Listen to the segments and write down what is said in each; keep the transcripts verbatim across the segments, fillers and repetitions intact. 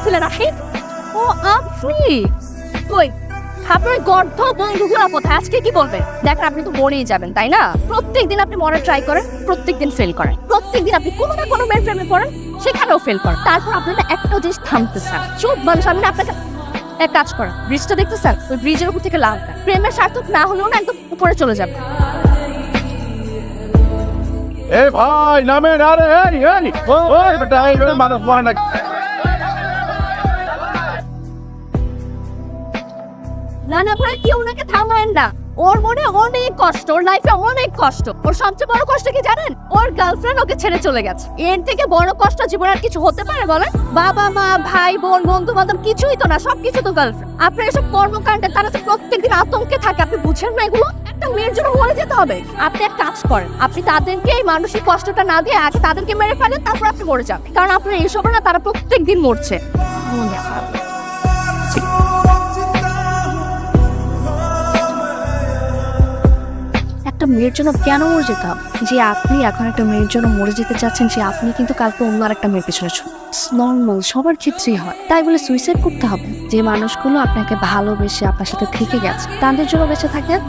ছিলেন আপনি? ও আপনি কই আপনার গর্ধ বন্ধুগুলো কোথায়? আজকে কি বলবেন? দেখেন আপনি তো মরেই যাবেন তাই না? প্রত্যেকদিন আপনি মরার ট্রাই করেন, প্রত্যেকদিন ফেল করেন। প্রত্যেকদিন আপনি কোনো না কোনো মেয়ের প্রেমে পড়েন, সেখানেও ফেল করেন। তারপর আপনি না একটা জিনিস থামতেছেন। চুপ মানুষ, আমি না আপনাকে এক কাজ করেন, ব্রিজটা দেখতেছেন? ওই ব্রিজের উপর থেকে লাভ না। প্রেমের সার্থক না হলেও না একদম উপরে চলে যাবে। এই ভাই নামেন, আরে এই এই ওই বেটা এই মানুষ মরে না। না না ভাই, কেউ ওনাকে থামায়েন না। ওর মনে অনেক কষ্ট, ওর লাইফে অনেক কষ্ট। ওর সবচেয়ে বড় কষ্ট কি জানেন? ওর গার্লফ্রেন্ড ওকে ছেড়ে চলে গেছে। এর থেকে বড় কষ্ট জীবনে আর কিছু হতে পারে বলেন? বাবা মা ভাই বোন বন্ধু বান্ধব কিছুই তো না, সবকিছু তো গার্লফ্রেন্ড। আপনার এসব কর্মকাণ্ডে তারা তো প্রত্যেকদিন আতঙ্কে থাকে, আপনি বুঝেন না এগুলো? একটা মেয়ের জন্য মরে যেতে হবে? আপনি এক কাজ করেন, আপনি তাদেরকে এই মানসিক কষ্টটা না দিয়ে আগে তাদেরকে মেরে ফেলেন, তারপর আপনি মরে যান। কারণ আপনার এইসব না, তারা প্রত্যেকদিন মরছে। একটা মেয়ের জন্য কেন মরে যেতে হবে? যে আপনি এখন একটা মেয়ের জন্য মরে যেতে চাচ্ছেন, সে আপনি কিন্তু কালকে অন্য আর একটা মেয়ের পেছনে ছুট নর্মাল, সবার ক্ষেত্রেই হয়। তাই বলে সুইসাইড করতে হবে? যে মানুষগুলো আপনাকে ভালোবেসে আপনার সাথে থেকে গেছে, তাদের জন্য বেঁচে থাকেন।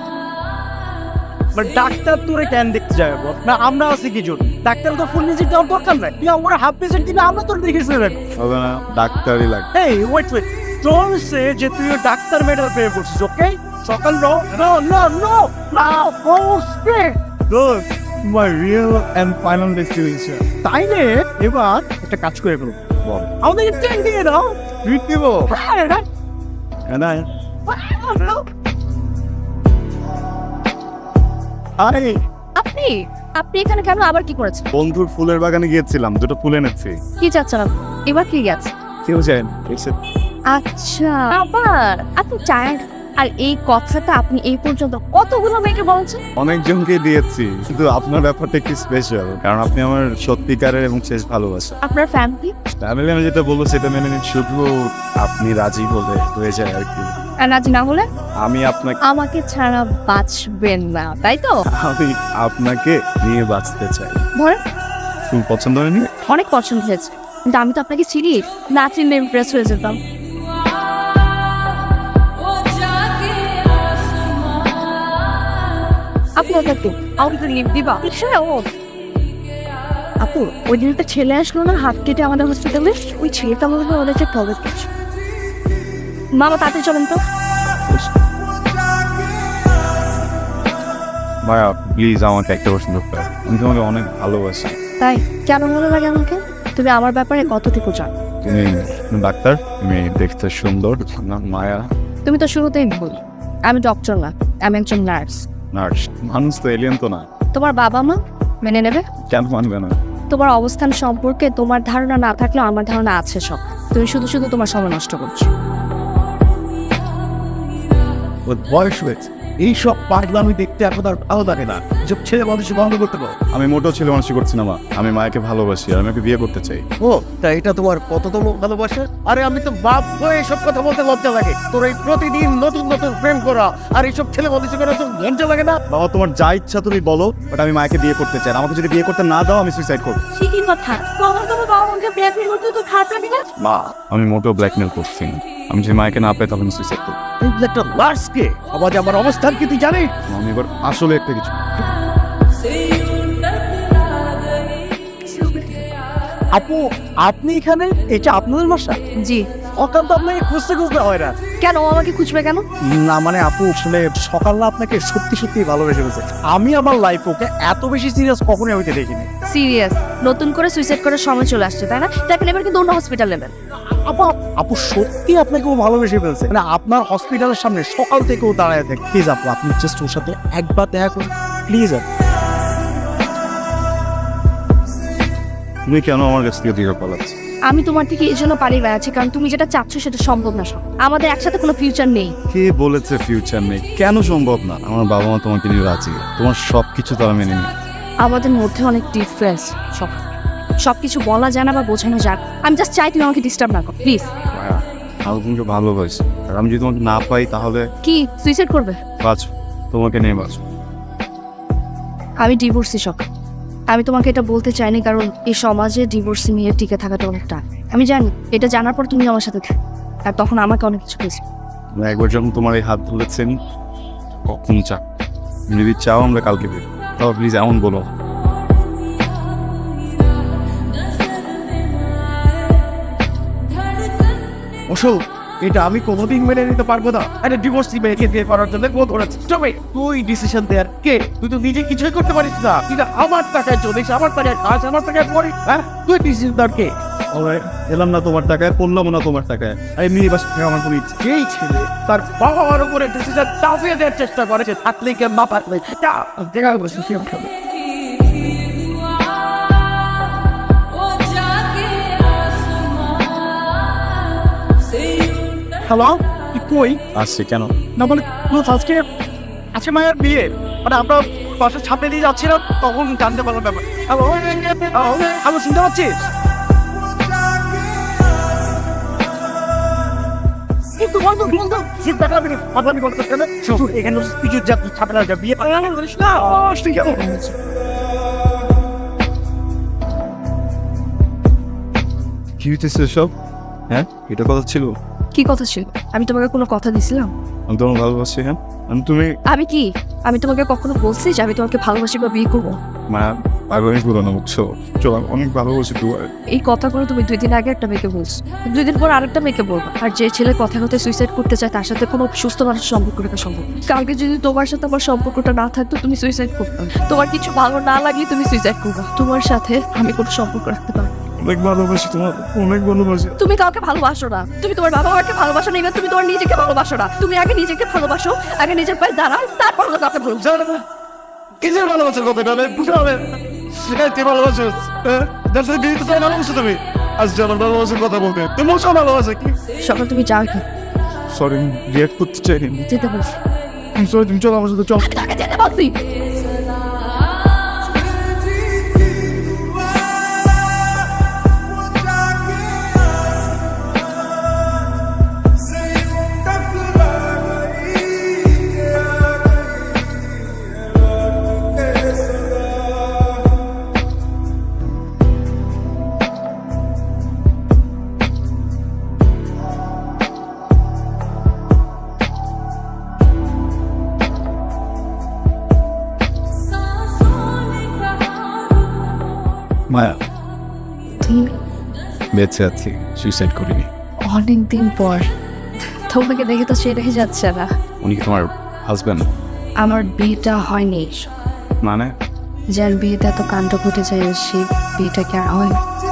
ডাক্তার তোরে কেন দেখতে যাবো না? আমরা আছি কি জন্য? ডাক্তার তো ফুল ভিজিট দেওয়ার দরকার নাই। তুই আমরা হাফ ভিজিট দিলে আমরা তোর দেখে শুনে রাখবো। হবে না, ডাক্তারই লাগে। এই ওয়েট ওয়েট, তোর সে যে তুই ডাক্তার মেয়েটার প্রেমে পড়ছিস, ওকে? সকাল no no no no now go straight Good. My real and final destination. তাইলে এবার একটা কাজ করে ফেলবো। বল। আমাদেরকে ট্রেন দিয়ে দাও। ট্রিট দিব। হ্যাঁ হ্যাঁ এনা আরে আপনি আপনি এখানে কেন? আবার কি করেছেন? বন্ধুর ফুলের বাগানে গিয়েছিলাম, দুটো ফুল এনেছি। কি চাচ্ছেন আপনি? এবার কি গেছে? কেউ জানেন এসে আচ্ছা, আবার আপনি টায়ার্ড? আর এই কথাটা আপনি এই পর্যন্ত কতগুলো মেয়েকে বলছেন? অনেকজনকে দিয়েছি, কিন্তু আপনার ব্যাপারটা একটু স্পেশাল, কারণ আপনি আমার সত্যিকারের এবং শেষ ভালোবাসা। আপনার ফ্যামিলি? ফ্যামিলি আমি যেটা বলবো সেটা মেনে নিন, শুধু আপনি রাজি হলে হয়ে যায় আর কি। আর রাজি না হলে? আমি আপনাকে আমাকে ছাড়া বাঁচবেন না, তাই তো? আমি আপনাকে নিয়ে বাঁচতে চাই। ধরেন, তুমি পছন্দ হয়নি? অনেক পছন্দ হয়েছে, কিন্তু আমি তো আপনাকে চিনি না, চিনলে ইমপ্রেস হয়ে যেতাম। আপনার কাছে আমাকে তো লিভ দিবা? ও আপু, ওই দিন একটা ছেলে আসলো না হাত কেটে আমাদের হসপিটালে, ওই ছেলেটা মনে হয় ওদের যে প্রবেশ করছে। মামা তাতে চলেন তো। ভাইয়া প্লিজ আমাকে একটা প্রশ্ন করতে, আমি তোমাকে অনেক ভালোবাসি। তাই কেন ভালো লাগে আমাকে? তুমি আমার ব্যাপারে কতটুকু জানো? তুমি ডাক্তার, তুমি দেখতে সুন্দর, না মায়া। তুমি তো শুরুতেই ভুল, আমি ডক্টর না, আমি একজন নার্স। নার্স? মানুষ তো এলিয়েন তো না। তোমার বাবা মা মেনে নেবে? কেন মানবে না? তোমার অবস্থান সম্পর্কে তোমার ধারণা না থাকলেও আমার ধারণা আছে সব। তুমি শুধু শুধু তোমার সময় নষ্ট করছো। ওর বয়স হয়েছে, এইসব পাগলামি দেখতে এখন আর ভালো লাগে না। এসব ছেলে মানুষ বন্ধ করতে পারো। আমি মোটেও ছেলে মানুষই করছি না মা, আমি মায়াকে ভালোবাসি আর আমি ওকে বিয়ে করতে চাই। ও তা এটা তোমার কততম ভালোবাসা? আরে আমি তো বাপ হয়ে এসব কথা বলতে লজ্জা লাগে। তোর এই প্রতিদিন নতুন নতুন প্রেম করা আর এইসব ছেলে মানুষ করা তো লজ্জা লাগে না? বাবা তোমার যা ইচ্ছা তুমি বলো, বাট আমি মায়াকে বিয়ে করতে চাই। আমাকে যদি বিয়ে করতে না দাও আমি সুইসাইড করবো। ঠিকই কথা, তোমার তোমার বাবা মাকে ব্ল্যাকমেল করতে তো খারাপ লাগে না? মা আমি মোটেও ব্ল্যাকমেল করছি না, আমি যদি মায়াকে না পাই তাহলে আমি সুইসাইড করবো। এই একটা লার্সকে আবার আমার অবস্থান কি তুই জানিস? আমি এবার আসলে একটা কিছু আপু আপনি এখানে? এটা আপনাদের বাসা? জি। অকান্ত আপনাকে খুঁজতে খুঁজতে হয় না? কেন ও আমাকে খুঁজবে কেন? না মানে আপু আসলে সকালে আপনাকে সত্যি সত্যি ভালোবেসে ফেলছে। আমি আমার লাইফ ওকে এত বেশি সিরিয়াস কখনোই হইতে দেখিনি। সিরিয়াস? নতুন করে সুইসাইড করার সময় চলে আসছে তাই না? দেখেন এবার কিন্তু অন্য হসপিটাল নেবেন। আপু আপু সত্যি আপনাকে ও ভালোবেসে ফেলছে, মানে আপনার হসপিটালের সামনে সকাল থেকে ও দাঁড়ায় থাকে। প্লিজ আপু আপনি জাস্ট ওর সাথে একবার দেখা করুন প্লিজ। তুমি কেন আমার কাছ থেকে দূরে পালাচ্ছ? আমি তোমার থেকে এই জন্য পালিয়ে বেড়াচ্ছি কারণ তুমি যেটা চাচ্ছ সেটা সম্ভব না। সব আমাদের একসাথে কোনো ফিউচার নেই। কে বলেছে ফিউচার নেই? কেন সম্ভব না? আমার বাবা মা তোমাকে নিয়ে রাজি, তোমার সব কিছু তারা মেনে নিয়ে। আমাদের মধ্যে অনেক ডিফারেন্স, সব সব কিছু বলা যায় না বা বোঝানো যায়। আমি জাস্ট চাই তুমি আমাকে ডিস্টার্ব না করো প্লিজ। ভাইয়া আমি তোমাকে ভালোবাসি, আর আমি যদি তোমাকে না পাই তাহলে কি সুইসাইড করবে? বাঁচ, তোমাকে নিয়ে বাঁচ। আমি ডিভোর্সি সব। আমি তোমাকে এটা বলতে চাইনি, কারণ এই সমাজে ডিভোর্স নিয়ে টিকে থাকাটা অনেকটা, আমি জানি এটা জানার পর তুমি আমার সাথে থাকো, আর তখন আমাকে অনেক কিছু পেয়েছি। একবার যখন তোমার এই হাত ধরেছেন, কখন চা যদি চাও আমরা কালকে বের তাও প্লিজ এমন বলো। অশোক, এটা আমি কোনোদিন মেনে নিতে পারবো না। একটা ডিভোর্সি মেয়েকে বিয়ে করার জন্য কোন ধরেছে তবে তুই ডিসিশন দেয়ার কে? তুই তো নিজে কিছুই করতে পারিস না। তুই তো আমার টাকায় চলিস, আমার টাকায় কাজ, আমার টাকায় পড়ি। হ্যাঁ, তুই ডিসিশন দেয়ার কে? এলাম না তোমার টাকায়, পড়লাম না তোমার টাকায়, আমি মিনি বাস আমার কোনো ইচ্ছে। যেই ছেলে তার বাবা মার উপরে ডিসিশন চাপিয়ে দেওয়ার চেষ্টা করেছে, থাকলে কে মা পাতলে যা দেখা বসে সে খাবে। হ্যালো, কি কই? আসছে কেন? না মানে আজকে আজকে মায়ের বিয়ে, মানে আমরা বাসার ছাপে দিয়ে যাচ্ছিলাম, তখন জানতে পারলাম ব্যাপার। হ্যালো, হ্যালো, শুনতে পাচ্ছিস? কিন্তু বন্ধু বন্ধু শীত দেখা আমি পাগলামি করতে কেন? এখানে কিছু যা ছাপে না যা বিয়ে করিস না। আসতে কেন? কি হইতেছে সব? হ্যাঁ, এটা কথা ছিল? কি কথা ছিল? আমি তোমাকে কোনো কথা দিছিলাম? আমি তোমার ভালোবাসি। হ্যাঁ, আমি তুমি আমি কি আমি তোমাকে কখনো বলছি যে আমি তোমাকে ভালোবাসি বা বিয়ে করবো? মা পাগলামি করো না, বুঝছো? চলো, আমি অনেক ভালোবাসি তোমার। এই কথাগুলো তুমি দুই দিন আগে একটা মেয়েকে বলছো, দুই দিন পর আরেকটা মেয়েকে বলবো। আর যে ছেলে কথা কথা সুইসাইড করতে চায় তার সাথে কোনো সুস্থ মানুষের সম্পর্ক রাখা সম্ভব না। কালকে যদি তোমার সাথে আমার সম্পর্কটা না থাকতো তুমি সুইসাইড করতে, তোমার কিছু ভালো না লাগলে তুমি সুইসাইড করবে। তোমার সাথে আমি কোনো সম্পর্ক রাখতে পারবো না। অনেক ভালোবাসি তোমার, অনেক ভালোবাসি। তুমি কাউকে ভালোবাসো না, তুমি তোমার বাবা মাকে ভালোবাসো না, এবার তুমি তোমার নিজেকে ভালোবাসো না। তুমি আগে নিজেকে ভালোবাসো, আগে নিজের পায়ে দাঁড়াও, তারপর হলো কাউকে ভালোবাসো। কিসের ভালোবাসার কথা এটা বুঝতে হবে? সেখানে ভালোবাসো যার সাথে বিয়ে করতে ভালোবাসো তুমি। আজ আমার ভালোবাসার কথা বলতে তুমি মোশো ভালোবাসা কি? সকাল তুমি যাও এখানে, সরি, রিয়াক্ট করতে চাইনি। যেতে বলছি। সরি, তুমি চলো আমার সাথে, চল। তাকে যেতে বলছি। মায়া, তুমি বেঁচে আছি, সুইসাইড করিনি। অনেকদিন পর তোমাকে দেখে তো সেটাই যাচ্ছে না। উনি কি তোমার হাজব্যান্ড? আমার বিয়েটা হয়নি, মানে যার বিয়েতে এত কাণ্ড ঘটে যায় সেই বিয়েটা কি আর হয়?